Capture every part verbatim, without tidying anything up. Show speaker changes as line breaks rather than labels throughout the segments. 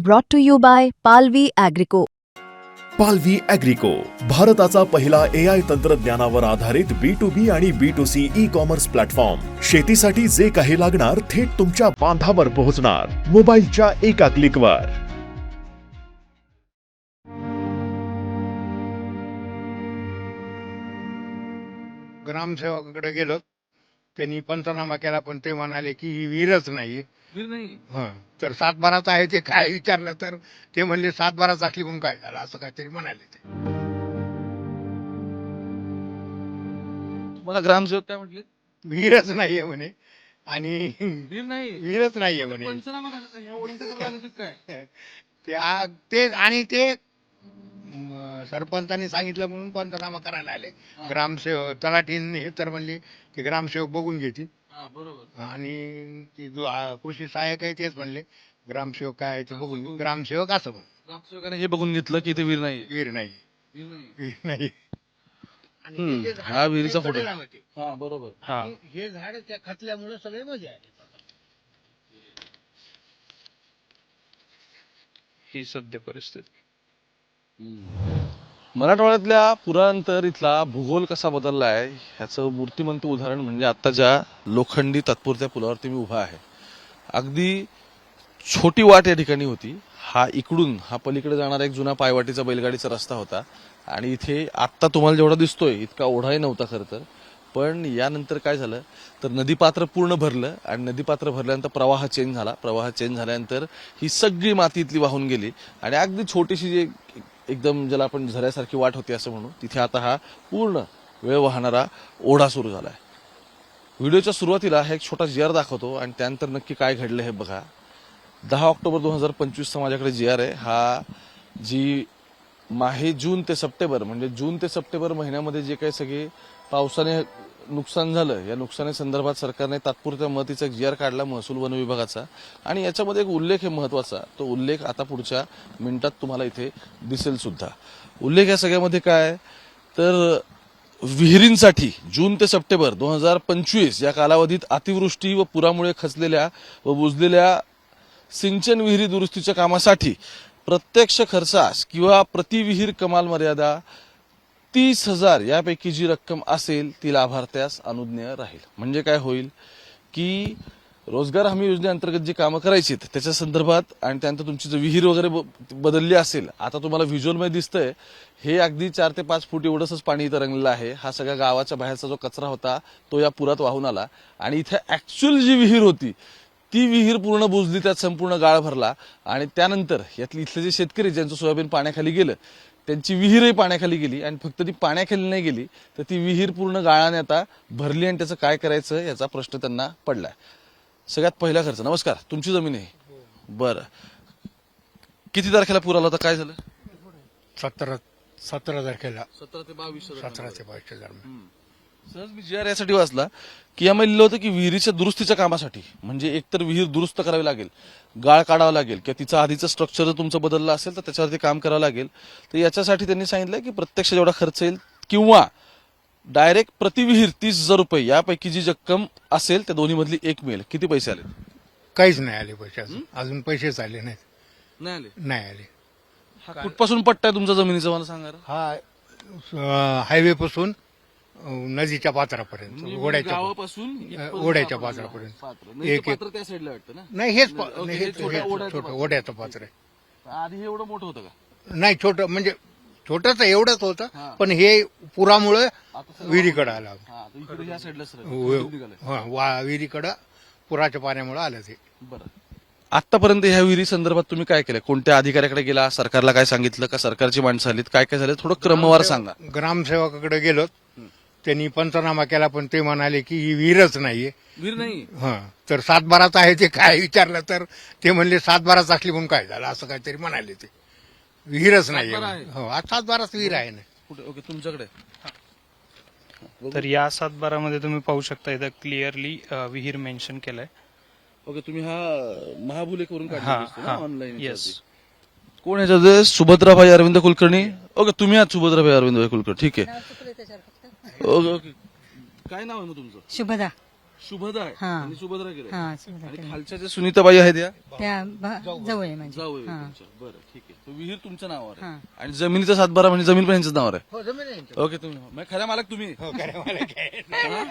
brought to you by Palvi Agrico.
पालवी ॲग्रिको, भारताचा पहिला ए आय तंत्रज्ञानावर आधारित बी टू बी आणि B to C e commerce platform. शेतीसाठी जे काही लागणार थेट तुमच्या बांधावर पोहोचणार, मोबाईलच्या एका क्लिकवर.
ग्रामसेवकाकडे गेलो, त्यांनी पंचनामा केला, पण ते म्हणाले की ही विहीरच नाही.
विहीर नाही.
हं. तर सातबाराचं आहे ते काय विचारलं तर ते म्हणले सातबाराच असली म्हणून काय झालं, असं काहीतरी म्हणाले ते.
मला ग्रामसेवक काय म्हटले?
विहीरच नाहीये म्हणे आणि
विहीर नाही,
विहीरच नाहीये म्हणे.
पंचनामा करायचा ह्या ओळीचं करायला लागलं काय?
ते आ- ते आणि ते म, सरपंचांनी सांगितलं म्हणून पंचनामा करायला आले. ग्रामसेवक तलाठीने हे तर म्हणले की ग्रामसेवक बघून घेतील,
हा, बरोबर.
आणि ती जो आ, कृषी सहाय्यक आहे तेच म्हणले ग्रामसेवक काय आहे ते बघून घेऊ. ग्रामसेवक असं म्हण,
ग्रामसेवकाने हे बघून घेतलं की इथे विहीर नाही.
विहीर नाही,
विहीर नाही.
विहीर नाही. आणि
हम्म.
हे जे झाड
हा विहिरीचा
ते
फोटो.
कडेला होते.
हा, बरोबर. हा.
आणि हे झाड त्या खचल्यामुळे सगळे मजा आले.
ही सध्या परिस्थिती.
मराठवाड्यातल्या पुरानंतर इथला भूगोल कसा बदलला आहे ह्याचं मूर्तिमंत उदाहरण म्हणजे आता ज्या लोखंडी तात्पुरत्या पुलावरती मी उभा आहे. अगदी छोटी वाट या ठिकाणी होती. हा इकडून हा पलीकडे जाणारा एक जुना पायवाटीचा बैलगाडीचा रस्ता होता आणि इथे आत्ता तुम्हाला जेवढा दिसतोय इतका ओढाही नव्हता खरं तर. पण यानंतर काय झालं तर नदीपात्र पूर्ण भरलं आणि नदीपात्र भरल्यानंतर प्रवाह चेंज झाला. प्रवाह चेंज झाल्यानंतर ही सगळी माती इथली वाहून गेली आणि अगदी छोटीशी जी एकदम ज्याला आपण झऱ्यासारखी वाट होती असं म्हणू, तिथे आता हा पूर्ण वेळ वाहणारा ओढा सुरू झालाय. व्हिडिओच्या सुरुवातीला हा एक छोटा जी आर दाखवतो आणि त्यानंतर नक्की काय घडलं हे बघा. दहा ऑक्टोबर दोन हजार पंचवीसचा माझ्याकडे जी आर आहे. हा जी माहे जून ते सप्टेंबर म्हणजे जून ते सप्टेंबर महिन्यामध्ये जे काही सगळे पावसाने नुकसान झालं या नुकसानी संदर्भात सरकारने तात्पुरत्या मदतीचा एक जी आर काढला महसूल वन विभागाचा आणि याच्यामध्ये एक उल्लेख आहे महत्वाचा. तो उल्लेख आता पुढच्या मिनिटात तुम्हाला इथे दिसेल सुद्धा. उल्लेख या सगळ्यामध्ये काय तर विहिरींसाठी जून ते सप्टेंबर दोन हजार पंचवीस या कालावधीत अतिवृष्टी व पुरामुळे खचलेल्या व बुजलेल्या सिंचन विहिरी दुरुस्तीच्या कामासाठी प्रत्यक्ष खर्चास किंवा प्रति विहीर कमाल मर्यादा तीस हजार यापैकी जी रक्कम असेल ती लाभार्थ्यास अनुज्ञेय राहील. म्हणजे काय होईल की रोजगार हमी योजनेअंतर्गत जी कामं करायची त्याच्या संदर्भात आणि त्यानंतर तुमची जर विहीर वगैरे बदलली असेल, आता तुम्हाला व्हिज्युअलमध्ये दिसतंय हे अगदी चार ते पाच फूट एवढंच पाणी इथं रंगलेलं आहे. हा सगळ्या गावाच्या बाहेरचा जो कचरा होता तो या पुरात वाहून आला आणि इथे ऍक्च्युअल जी विहीर होती ती विहीर पूर्ण बुजली, त्यात संपूर्ण गाळ भरला आणि त्यानंतर यातले इथले जे शेतकरी ज्यांचं सोयाबीन पाण्याखाली गेलं त्यांची विहीरही पाण्याखाली गेली आणि फक्त ती पाण्याखाली नाही गेली तर ती विहीर पूर्ण गाळाने आता भरली आणि त्याचं काय करायचं याचा प्रश्न त्यांना पडलाय. सगळ्यात पहिला खर्च. नमस्कार, तुमची जमीन आहे? बरं, किती तारखेला पूर आला होता, काय झालं?
सतरा सतरा तारखेला
सतरा ते बावीस
सतरा ते बावीसच्या दरम्यान.
सहज मी जी आर यासाठी वाचला की यामध्ये लिहिलं होतं की विहिरीच्या दुरुस्तीच्या कामासाठी म्हणजे एकतर विहीर दुरुस्त करावी लागेल, गाळ काढावा लागेल किंवा तिचं आधीचं स्ट्रक्चर जर तुमचं बदललं असेल तर त्याच्यावरती काम करावं लागेल. तर याच्यासाठी त्यांनी सांगितलं की प्रत्यक्ष जेवढा खर्च येईल किंवा डायरेक्ट प्रतिविहीर तीस हजार रुपये यापैकी जी रक्कम असेल त्या दोन्ही मधली एक मिळेल. किती पैसे आले?
काहीच नाही आले पैसे अजून. अजून पैसेच आले नाहीत.
नाही आले.
नाही आले.
हा कुठपासून पट्टा आहे तुमच्या जमिनीचा मला सांगा.
हा हायवे पासून नदीच्या पात्रापर्यंत, ओढ्याच्या
गावापासून
ओढ्याच्या पात्रापर्यंत. एक एक
त्या साईडला वाटतं ना?
नाही हेच पा-
ओके,
नाही,
हे
हेच-
छोट्या
हेच
ओढ्याचं
छोटं
पात्र.
ओढ्याचं पात्र आहे.
आधी हे एवढं मोठं होतं का?
नाही, छोटं म्हणजे छोटंच एवढंच
हा.
होतं, पण हे पुरामुळे
आता सगळं-
विहिरीकडे आलं.
हा, तर इकडे ह्या साईडला सर
हा, वा- विहिरीकडं पुराच्या पाण्यामुळे आलं ते.
बरं. आतापर्यंत ह्या विहिरी संदर्भात तुम्ही काय केलं? कोणत्या अधिकाऱ्याकडे गेला? सरकारला काय सांगितलं? का सरकारची माणसं आलीत? काय काय झालं थोडं क्रमवार सांगा.
ग्रामसेवकाकडे गेलो, त्यांनी पंचनामा केला, पण ते म्हणाले की ही विहीरच नाहीये.
विहीर नाही.
हा, तर सातबाराच आहे ते काय विचारलं तर ते म्हणले सातबाराच असली म्हणून काय झालं, असं काहीतरी म्हणाले ते. विहीरच नाहीये.
सातबारा आहे?
हो, आज सातबाराच विहीर आहे ना.
कुठे? ओके, तुमच्याकडे.
तर या सातबारामध्ये तुम्ही पाहू शकता इथं क्लिअरली विहीर मेन्शन केलंय.
ओके, तुम्ही हा महाबुलेकवरून
हा
काढला
हा
ऑनलाईन.
येस.
कोण ह्याच्यात? सुभद्राभाई अरविंद कुलकर्णी. ओके, तुम्ही आहात सुभद्राभाई अरविंद कुलकर्णी. ठीक आहे. Okay okay. काय नाव आहे मग तुमचं?
शुभदा.
शुभदा आहे
हा.
आणि सुभद्रा गिरे
हा सुद्धा
आणि
केलं.
खालच्या ज्या सुनीताबाई आहेत या
त्या भा- जवळ आहे माझी
जाऊ
हा
बरं ठीक आहे तो विहीर तुमच्या नावावर आहे
हा.
आणि जमिनीचा सातबारा म्हणजे जमीन पण यांच्याच नावावर आहे
हो जमीन आहे यांच्यावर.
ओके तुम्ही मग खऱ्या मालक तुम्ही
हो, खरं मला काय.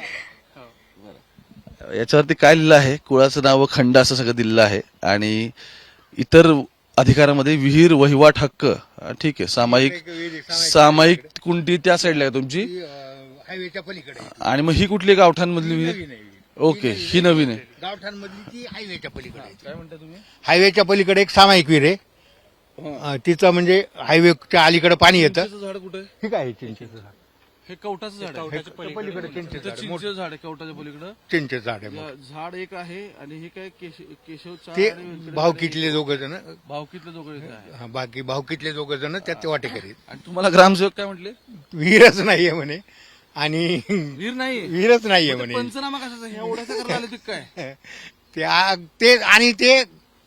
याच्यावरती काय लिहिलं आहे कुळाचं नाव व खंड असं सगळं दिलेलं आहे आणि इतर अधिकारामध्ये विहीर वहिवाट हक्क हा, ठीक आहे सामायिक
एक विहीर, सामायिक
सामायिक कुंडी त्या साईडला आहे तुमची
ती, अं, हायवेच्या पलीकडे आहे.
आणि मग ही कुठली गावठांमधली विहीर
नवीन आहे विहीर.
ओके ही नवीन आहे
गावठाणमधली ती हायवेच्या पलीकडे आहे.
काय म्हणता तुम्ही
हायवेच्या पलीकडे एक सामायिक विहीर आहे अं, तिचं म्हणजे हायवेच्या अलीकडे पाणी येतं.
चिंचेचं झाड कुठे आहे?
ठीक आहे चिंचेचं झाड.
हे कवटाचं झाड आहे
पलीकडे चिंचेचं
इथं
झाड आहे.
चिंचेचं झाड आहे कवटाच्या पलीकडं
चिंचेचं झाड आहे मोठं.
या- झाड एक आहे आणि हे काय केश- केशव
ते भावकीतले दोघ जण
भावकीतले दोघं इथं आहे
हा, बाकी भावकीतले दोघ जण त्यात ते वाटेकरी आहेत.
आणि तुम्हाला ग्रामसेवक काय म्हटले
विहीरच नाहीये म्हणे आणि
वीर नाही
विहीरच नाहीये म्हणे
पंचनामा कशाचा हे एवढ्याचा करायला आले ते काय
ते आ- ते आणि ते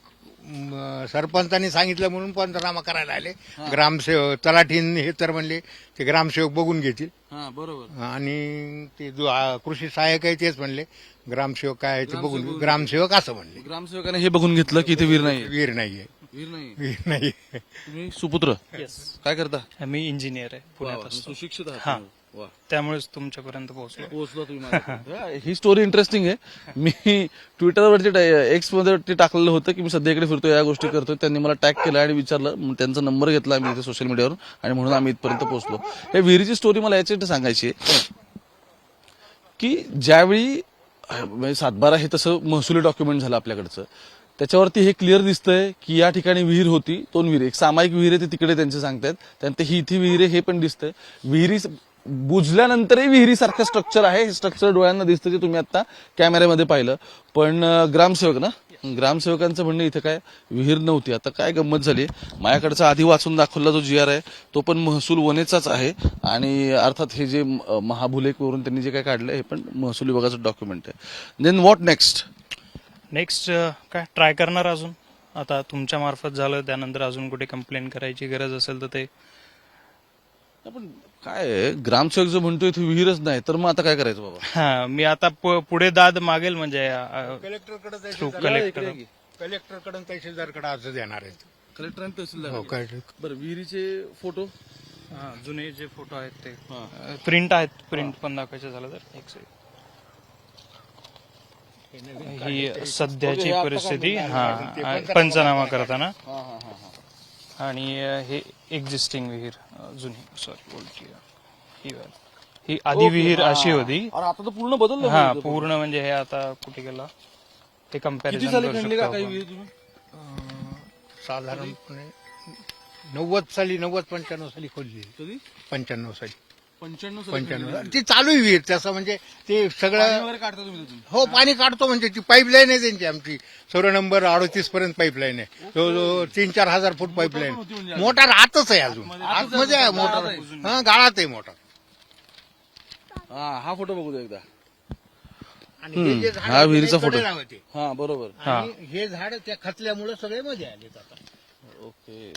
म, सरपंचांनी सांगितलं म्हणून पंचनामा करायला आले ग्रामसेवक तलाठीन हे तर म्हणले ते ग्रामसेवक बघून घेतील
हा बरोबर
आणि ते जो आ, कृषी सहाय्यक आहे तेच म्हणले ग्रामसेवक काय आहे ते बघून ग्रामसेवक असं म्हणले
ग्रामसेवकाने हे बघून घेतलं की इथे वीर नाही
विहीर नाहीये
वीर नाही
विहीर नाही
तुम्ही सुपुत्र काय करता
मी इंजिनियर आहे पुण्यात
वा,
असतो
सुशिक्षित आहात
हा.
तुम्ही. वा
त्यामुळेच तुमच्यापर्यंत पोहोचलो
पोहोचला तुम्ही माझ्यापर्यंत. ही स्टोरी इंटरेस्टिंग आहे मी ट्विटरवरती एक्स मध्ये ते टाकलेलं होतं की मी सध्या इकडे फिरतोय या गोष्टी करतोय त्यांनी मला टॅग केला आणि विचारलं मग त्यांचा नंबर घेतला आम्ही इथे सोशल मीडियावर आणि म्हणून आम्ही इथपर्यंत पोहोचलो हे विहिरीची स्टोरी मला याच्यासाठी सांगायची आहे की ज्यावेळी अं, म्हणजे सातबारा हे तसं महसुली डॉक्युमेंट झालं आपल्याकडचं त्याच्यावरती हे क्लिअर दिसतंय की या ठिकाणी विहीर होती दोन विहीर एक सामायिक विहीर आहे ते तिकडे त्यांचे सांगतायत त्यानंतर ही इथे विहीर आहे हे पण दिसतंय विहिरी बुजल्यानंतरही विहिरीसारखं स्ट्रक्चर आहे हे स्ट्रक्चर डोळ्यांना दिसतं जे तुम्ही आता कॅमेऱ्यामध्ये पाहिलं पण अं, ग्रामसेवक ना ग्रामसेवकांचं म्हणणं इथं काय विहीर नव्हती आता काय गंमत झाली माझ्याकडचा आधी वाचून दाखवला जो जी आर आहे तो पण महसूल वनेचाच आहे आणि अर्थात हे जे अं, महाभुलेखवरून त्यांनी जे काय काढलं हे पण महसूल विभागाचं डॉक्युमेंट आहे देन व्हॉट नेक्स्ट
नेक्स्ट काय ट्राय करणार अजून आता तुमच्या मार्फत झालं त्यानंतर अजून कुठे कंप्लेंट करायची गरज असेल तर ते
पण काय आहे, ग्रामसेवक जो म्हणतोय इथे विहीरच नाही तर मग आता काय करायचं बाबा
हा मी आता प- पुढे दाद मागेल म्हणजे
कलेक्टरकडे
थ्रू कलेक्टर
कलेक्टरकडून तहसीलदारकडे अर्ज देणार आहेत
कलेक्टर आणि तहसीलदार
हो काय
बरं विहिरीचे फोटो
हा, जुने जे फोटो आहेत ते प्रिंट आहेत प्रिंट पण दाखवायचे झालं तर एक सेकंड. ही सध्याची परिस्थिती हा पंचनामा करताना आणि हे एक्झिस्टिंग विहीर अ, जुनी सॉरी बोलती ही वाली. ही आधी विहीर अशी होती
अरे आता तर पूर्ण बदललं
हा
विहीर.
पूर्ण म्हणजे हे आता कुठे गेला ते
किती
कम्पॅरिझन
साली
करू
खणली
शकतो
का काही
आपण.
विहीर तुम्ही
साधारणपणे नव्वद साली नव्वद पंच्याण्णव साली खोलली
कधी
पंच्याण्णव साली
पंच्याण्णव साली
पंच्याण्णव
खणली.
ती चालू आहे विहीर तसं म्हणजे ते
पाणी
सगळं
वगैरे काढता तुम्ही तिथून?
हो पाणी काढतो म्हणजे ती पाईपलाईन आहे त्यांची आमची सोळा नंबर अडतीस पर्यंत पाईपलाईन आहे जवळजवळ तीन चार हजार फूट
होती
पाईपलाईन
म्हणजे
मोटार आतच आहे अजून आतमध्ये आहे मोटार हा गाळात आहे मोटार
हा हा फोटो बघू दे एकदा
आणि हे जे झाड
हा
आहे,
विहिरीचा
ते
फोटो.
कडेला होते.
हा बरोबर
आणि हे झाड त्या खचल्यामुळे सगळे मध्ये आले आता
ओके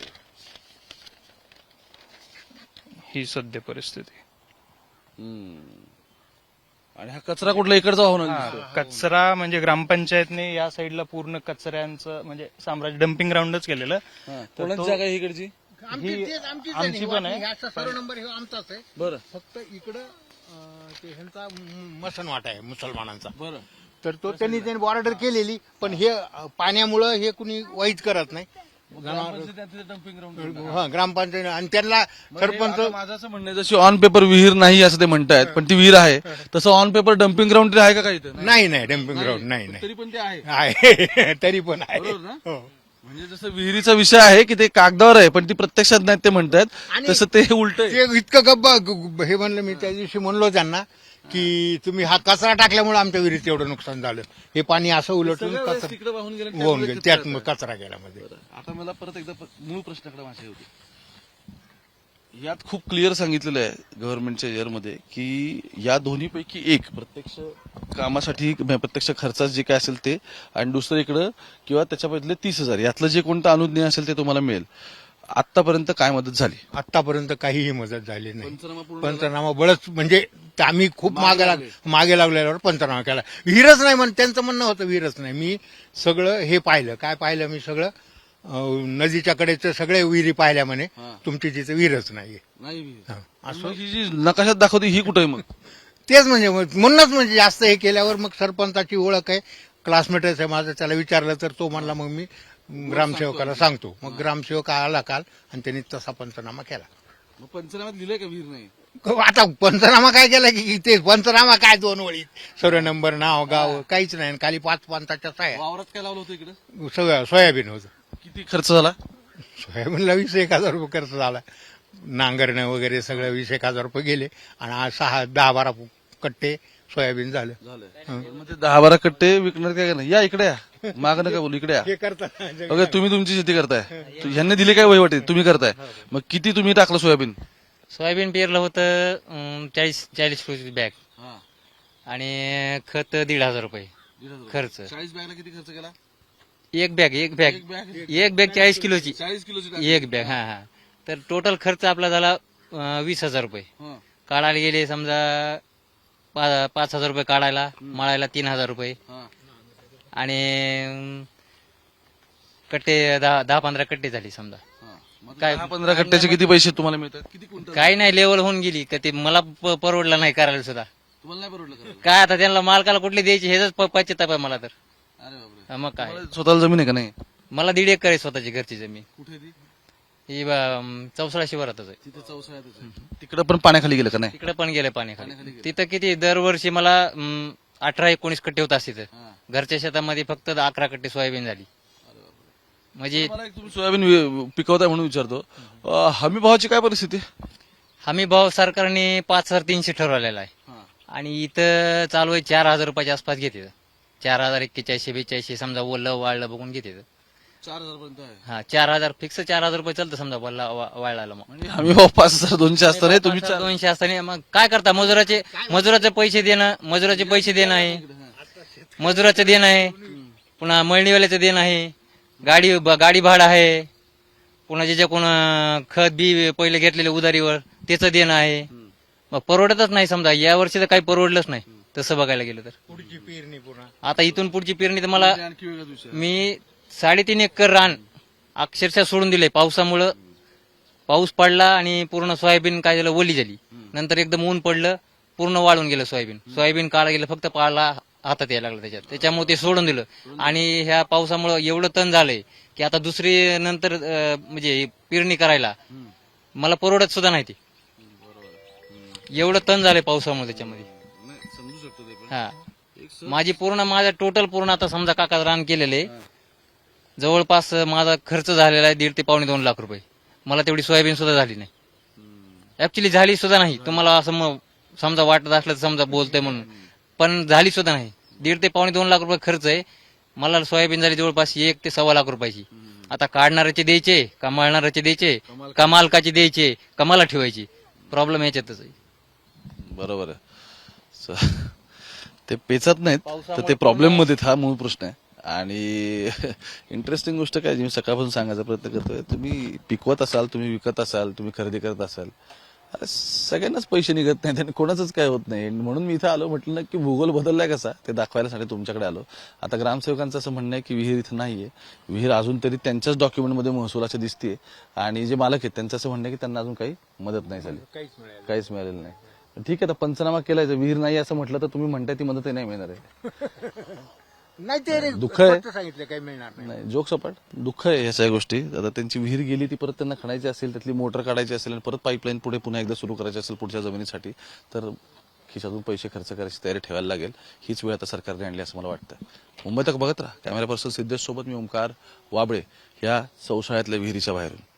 ही सध्या परिस्थिती
हम्म. आणि हा कचरा कुठला इकडचा वाहून
हा,
आणतो?
कचरा म्हणजे ग्रामपंचायतने या साईडला पूर्ण कचऱ्यांचं म्हणजे साम्राज्य डम्पिंग ग्राउंडच केलेलं
हा,
तर
कोणाची
तो-
जागा आहे इकडची
आमची
ही-
तेच आमचीच
आमची
आहे
पण आहे.
ह्या सर्व नंबर हे आमचाच आहे
बरं
फक्त इकडं अं, ते ह्यांचा म- मसनवाट आहे मुसलमानांचा
बरं
तर तो त्यांनी त्यांनी बॉर्डर केलेली पण हे अं, पाण्यामुळं हे कुणी वाईट करत नाही
डम्पिंग ग्राउंड
हा ग्रामपंचायत आणि त्यांना सरपंच
माझं असं म्हणणं आहे, जशी ऑन पेपर विहीर नाही असं ते म्हणतायत पण ती विहीर आहे तसं ऑन पेपर डम्पिंग ग्राउंड आहे का काही इथं?
नाही नाही डम्पिंग ग्राउंड नाही नाही
तरी पण ते आहे
आहे तरी पण आहे
बरोबर ना?
हो.
म्हणजे जसं विहिरीचा विषय आहे की ते कागदावर आहे पण ती प्रत्यक्षात नाही ते म्हणतात
आणि
तसं ते उलट आहे
ते इतकं गब्बा ग- हे म्हणलं मी त्या दिवशी म्हणलो त्यांना की तुम्ही हा कचरा टाकल्यामुळे आमच्या विहिरीत एवढं नुकसान झालं हे पाणी असं उलटून
सगळं वेळेस
कचरा
तिकडे वाहून गेलं
होऊन
त्यामुळे
गेलं
ते
त्यात
कचरा
मग कचरा गेला मध्ये
बरं. आता मला परत एकदा प- मूळ प्रश्नाकडे माझे होते यात खूप क्लिअर सांगितलेलं आहे गव्हर्नमेंटच्या इयरमध्ये की या दोन्हीपैकी एक प्रत्यक्ष कामासाठी म्हणजे प्रत्यक्ष खर्चात जे काय असेल ते आणि दुसरं इकडं किंवा त्याच्यापैकी तीस हजार यातलं जे कोणतं अनुज्ञेय असेल ते तुम्हाला मिळेल आतापर्यंत काय मदत झाली?
आतापर्यंत काहीही मदत झाली नाही.
पंचनामा पूर्ण
पंचनामा बळच म्हणजे आम्ही खूप मागे लाग मागे लागल्यावर पंचनामा केला. विहीरच नाही म्हण त्यांचं म्हणणं होतं विहीरच नाही. मी सगळं हे पाहिलं. काय पाहिलं मी सगळं अं, नदीच्या कडेचं सगळे विहिरी पाहिल्या म्हणे.
हा.
तुमची तिथे विहीरच नाहीये.
नाही
हा. असं
मग ही जी नकाशात दाखवते ही कुठे मग?
तेच म्हणजे मग म्हणूनच म्हणजे जास्त हे केल्यावर मग सरपंचाची ओळख आहे, क्लासमेटच आहे माझं. त्याला विचारलं तर तो म्हणला मग मी ग्रामसेवकाला सांगतो. मग ग्रामसेवक आला काल आणि त्यांनी तसा पंचनामा केला.
मग पंचनाम्यात लिहिलंय का विहीर नाही?
आता पंचनामा काय केला की ते पंचनामा काय दोन वळी सर्व नंबर नाव गाव काहीच नाही. आणि खाली पाच पंचाच्या साया
वावरात काय लावलं होतं इकडे?
सगळं सोयाबीन होतं.
किती खर्च झाला?
सोयाबीनला वीस एक हजार रुपये खर्च झाला. नांगरणं वगैरे सगळं वीस एक हजार रुपये गेले. आणि आज सहा दहा बारा कट्टे सोयाबीन झालं.
मग ते दहा बारा कट्टे विकणार काय नाही? या इकडे या, मागं नका बोलू, इकडे या.
हे करतात
ओके, तुम्ही तुमची शेती करताय, तु- ह्यांनी दिली काय वहिवाटी? तुम्ही करताय. मग किती तुम्ही टाकलं सोयाबीन?
सोयाबीन पेरलं होतं अं, चाळीस चाळीस रुपये बॅग आणि खत दीड हजार रुपये खर्च.
चाळीस बॅगला किती खर्च केला?
एक बॅग एक बॅग
एक बॅग
एक बॅग चाळीस किलोची
चाळीस किलोची
एक बॅग. हा हा तर टोटल खर्च आपला झाला अं, वीस हजार रुपये.
हा.
काढायला गेले समजा पा- पाच हजार रुपये काढायला, मळायला तीन हजार रुपये
हा.
आणि अं, कट्टे दहा दहा पंधरा कट्टे झाली समजा.
हा. मग
काय-
दहा पंधरा कट्ट्याचे किती पैसे तुम्हाला मिळतात? किती क्विंटल?
काही नाही लेवल होऊन गेली का ते मला प- परवडलं नाही करायला सुद्धा.
तुम्हाला नाही परवडलं करायला?
काय आता त्यांना मालकाला कुठले द्यायचे हेच पश्चाताप आहे मला तर.
अरे बापरे.
हा, मग काय
तुम्हाला स्वतःला जमीन आहे का नाही?
मला दीड एकर आहे स्वतःची घरची जमीन.
कुठे ती?
ही अं, चौसाळा शिवारातच आहे.
तिथे चौसाळ्यातच आहे. तिकडे पण पाण्याखाली गेलं का नाही?
तिकडे पण गेले पाणी
पाण्याखाली
खाली.
गेले.
तिथं किती दरवर्षी मला अं, अठरा एकोणीस कट्टे होत असते.
हा.
घरच्या शेतामध्ये फक्त अकरा कट्टे सोयाबीन झाली. म्हणजे
मला एक तुम्ही सोयाबीन वि- पिकवताय म्हणून विचारतो, अं, हमी भावाची काय परिस्थिती आहे?
हमी भाव सरकारने पाच हजार तीनशे ठरवलेला आहे आणि इथं चालू आहे चार हजार रुपयाच्या आसपास घेते. चार हजार एक्केचाळीसशे बेचाळीसशे समजा ओलं वाळलं बघून घेते.
चार हजार पर्यंत आहे.
हा चार हजार फिक्स चार हजार रुपये चालतं समजा वल्ला वा- वाळायला. मग
म्हणजे हमी भाव पाच हजार दोनशे असताना तुम्ही चार-
दोनशे असताना मग काय करता? मजुराचे मजुराचे पैसे देणं मजुराचे पैसे देणं आहे, मजुराचं देणं आहे, पुन्हा मळणीवाल्याचं देणं आहे, गाडी गाडी भाडं आहे, पुन्हा ज्याच्या कोण खत बी पहिले घेतलेले उधारीवर त्याचं देणं आहे. मग परवडतच नाही समजा. या वर्षी तर काही परवडलंच नाही तसं बघायला गेलं तर.
पुढची पेरणी पुन्हा
आता इथून पुढची पेरणी तर मला
आणखी वेगळाच विषय आहे.
मी साडेतीन एकर रान अक्षरशः सोडून दिले पावसामुळं. पाऊस पडला आणि पूर्ण सोयाबीन काय झालं ओली झाली. नंतर एकदम ऊन पडलं, पूर्ण वाळून गेलं सोयाबीन. सोयाबीन काढा गेलं फक्त पाळला हातात यायला लागला त्याच्यात. त्याच्यामुळे ते सोडून दिलं. आणि ह्या पावसामुळं एवढं तण झालंय की आता दुसरी नंतर अं, म्हणजे पेरणी करायला मला परवडत सुद्धा नाही. ते एवढं तण झालंय पावसामुळे त्याच्यामध्ये.
नाही, समजू शकतो ते पण.
हा
एक स-
माझी पूर्ण माझं टोटल पूर्ण आता समजा काका रान केलेले जवळपास माझा खर्च झालेला आहे दीड ते पावणे दोन लाख रुपये. मला तेवढी सोयाबीन सुद्धा झाली नाही. ऍक्च्युली झाली सुद्धा नाही. तुम्हाला असं मग समजा वाटत असलं तर समजा बोलतंय म्हणून, पण झाली सुद्धा नाही. दीड ते पावणे दोन लाख रुपये खर्च आहे. मला सोयाबीन झाली जवळपास एक ते सव्वा लाख रुपयाची. आता काढणाऱ्याचे द्यायचे का मळणाऱ्याचे द्यायचे का मालकाचे द्यायचे का मला ठेवायची? प्रॉब्लेम याच्यातच आहे.
बरोबर आहे. स- ते पेचत नाहीत तर ते प्रॉब्लेम मध्ये हा मूळ प्रश्न आहे. आणि इंटरेस्टिंग गोष्ट काय जी मी सकाळपासून सांगायचा प्रयत्न करतोय, तुम्ही पिकवत असाल, तुम्ही विकत असाल, तुम्ही खरेदी करत असाल, अरे सगळ्यांनाच पैसे निघत नाहीत आणि कोणाचंच काय होत नाही. म्हणून मी इथं आलो, म्हटलं ना की भूगोल बदललाय कसा ते दाखवायसाठी तुमच्याकडे आलो. आता ग्रामसेवकांचं असं म्हणणं आहे की विहीर इथं नाहीये. विहीर अजून तरी त्यांच्याच डॉक्युमेंटमध्ये महसुलाची दिसतीये आणि जे मालक आहेत त्यांचं असं म्हणणं आहे की त्यांना अजून काही मदत नाही झाली, काहीच मिळालेलं नाही. ठीक आहे, आता पंचनामा केलाय, जर विहीर नाही असं म्हटलं तर तुम्ही म्हणताय ती मदतही नाही मिळणार आहे.
नाही ते
दुःख आहे.
फक्त सांगितलं काही मिळणार नाही.
नाही, जोक सपाट दुःख आहे ह्या सगळ्या गोष्टी. आता त्यांची विहीर गेली, ती परत त्यांना खणायची असेल, त्यातली मोटर काढायची असेल आणि परत पाईपलाईन पुढे पुन्हा एकदा सुरू करायची असेल पुढच्या जमिनीसाठी, तर खिशातून पैसे खर्च करायची तयारी ठेवायला लागेल. हीच वेळ आता सरकारने आणली असं मला वाटतं. मुंबई तक बघत राहा. कॅमेरा पर्सन सिद्धेश सोबत मी ओमकार वाबळे, ह्या चौसाळ्यातल्या विहिरीच्या बाहेरून.